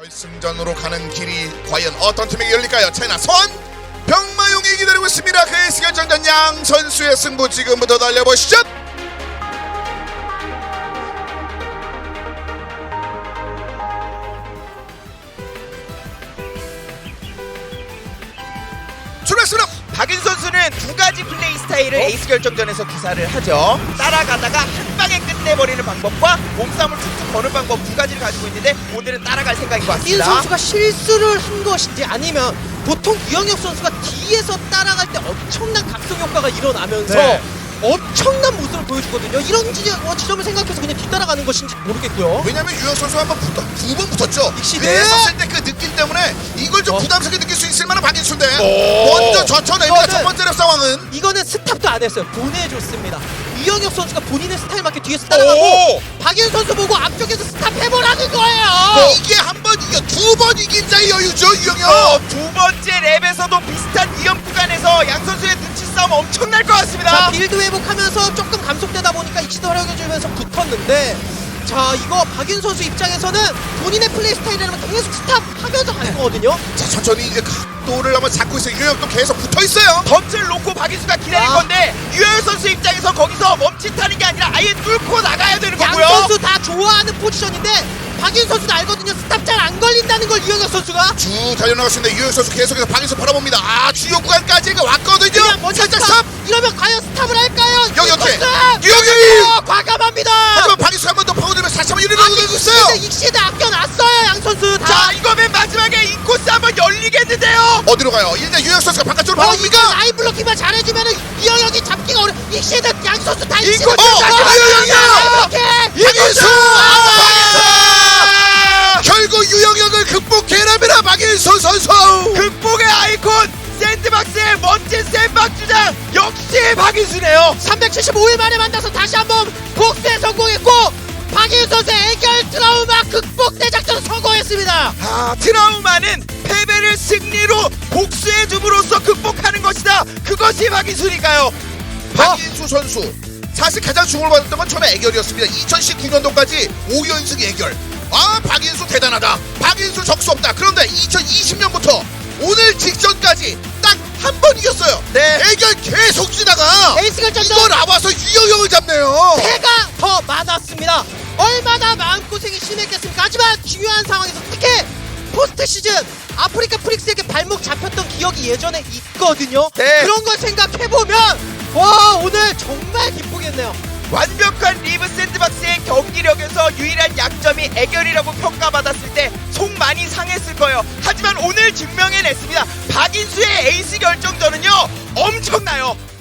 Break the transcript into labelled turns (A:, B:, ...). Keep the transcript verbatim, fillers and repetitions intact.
A: 결승전으로 가는 길이 과연 어떤 팀에게 열릴까요? 차이나 선 병마용이 기다리고 있습니다. 그 에이스 결정전 양 선수의 승부 지금부터 달려보시죠. 출발했습니다.
B: 박윤 선수는 두 가지 플레이 스타일을
A: 어?
B: 에이스 결정전에서 구사를 하죠. 따라가다가 한 방에 끝내버리는 방법과 몸싸움을 툭툭 거는 방법 두 가지를 가지고 있는데 오늘은 따라갈 생각인 것
C: 박인
B: 같습니다.
C: 선수가 실수를 한 것인지 아니면 보통 유영혁 선수가 뒤에서 따라갈 때 엄청난 각성 효과가 일어나면서
B: 네.
C: 엄청난 모습을 보여주거든요. 이런 지점, 어, 지점을 생각해서 그냥 뒤따라가는 것인지 모르겠고요.
A: 왜냐면 유영 선수가 한번 붙어 두 번 붙었죠.
C: 익시드.
A: 그랬었을 때 그 느낌 때문에 이걸 좀
C: 어.
A: 부담스럽게 느낄 수 있을 만한 박인수인데
B: 오.
A: 먼저 젖혀냅니다.
C: 이거는-
A: 첫 번째 랩 상황은
C: 이거는 스탑도 안 했어요. 보내줬습니다. 유영혁 선수가 본인의 스타일 맞게 뒤에서 따라가고
B: 오!
C: 박인 선수 보고 앞쪽에서 스탑해보라는 거예요.
A: 이게 한 번 이겨 두 번 이긴 자의 여유죠 유영혁.
B: 어, 두 번째 랩에서도 비슷한 위험 구간에서 양 선수의 눈치 싸움 엄청날 것 같습니다.
C: 자, 빌드 회복하면서 조금 감속되다 보니까 익시도 활용해주면서 붙었는데, 자, 이거 박윤 선수 입장에서는 본인의 플레이 스타일이라면 계속 스탑하면서 갈 거거든요.
A: 자 천천히 이제 각도를 한번 잡고 있어요. 유영혁도 계속 붙어 있어요.
B: 덫을 놓고 박인수가 기다릴
C: 아.
B: 건데 유열 선수 입장에서 거기서 멈칫하는 게 아니라 아예 뚫고 나가야 되는
C: 양
B: 거고요.
C: 선수 다 좋아하는 포지션인데 박윤 선수도 알거든요. 스탑 잘 안 걸린다는 걸 유영혁 선수가.
A: 쭉 달려나갔는데 유영 선수 계속해서 박인수 바라봅니다. 아 주요 구간까지 왔거든요.
C: 그냥 먼저
A: 살짝
C: 스탑!
A: 스탑.
C: 이러면 과연 스탑을 할까요?
A: 여기 어떻게?
C: 스탑!
A: 유영혁이!
C: 어, 과감합니다.
A: 하지만 박인수 한 번 더 파고들면서 다시 한번 이리로
C: 아니,
A: 오고 있어요.
C: 익시드, 익시드 아껴놨어요. 양 선수 다.
B: 자, 이거 맨 마지막에 인코스 한번 열리겠는데요.
A: 어디로 가요? 일단 유영 선수가 바깥쪽으로
C: 어, 이게
A: 바라봅니까?
C: 라인 블로킹만 잘해주면은 유영혁이 잡기가 어려. 익시드 양 선수 다 익시드.
B: 이거
A: 진짜 유영혁이야! 박인수!
B: 아!
A: 결국 유영혁을 극복해냅니다. 박인수 선수.
B: 극복의 아이콘 샌드박스의 멋진 샌박 주장 역시 박인수네요.
C: 삼백칠십오 일 만에 만나서 다시 한번 복수에 성공했고 박인 선수의 해결 트라우마 극복 대작전 성공했습니다.
B: 아, 트라우마는 패배를 승리로 복수해 줌으로써 극복하는 것이다. 그것이 박인수니까요.
A: 박인수 선수 사실 가장 주목을 받았던 건 처음에 애결이었습니다. 이천십구 년도까지 오 연승 애결. 아 박인수 대단하다. 박인수 적수 없다. 그런데 이천이십 년부터 오늘 직전까지 딱 한 번 이겼어요.
B: 네.
A: 애결 계속 지다가
C: 에이스 결정전
A: 이거 나와서 유영혁을 잡네요.
C: 패가 더 많았습니다. 얼마나 마음고생이 심했겠습니까? 하지만 중요한 상황에서 특히 포스트 시즌 아프리카 프릭스에게 발목 잡혔던 기억이 예전에 있거든요.
B: 네.
C: 그런 걸 생각해보면 와 오늘 정말 기쁘겠네요.
B: 완벽한 리브 샌드박스의 경기력에서 유일한 약점이 애결이라고 평가받았을 때 속 많이 상했을 거예요. 하지만 오늘 증명해냈습니다. 박인수의 에이스 결정전은요 엄청나요.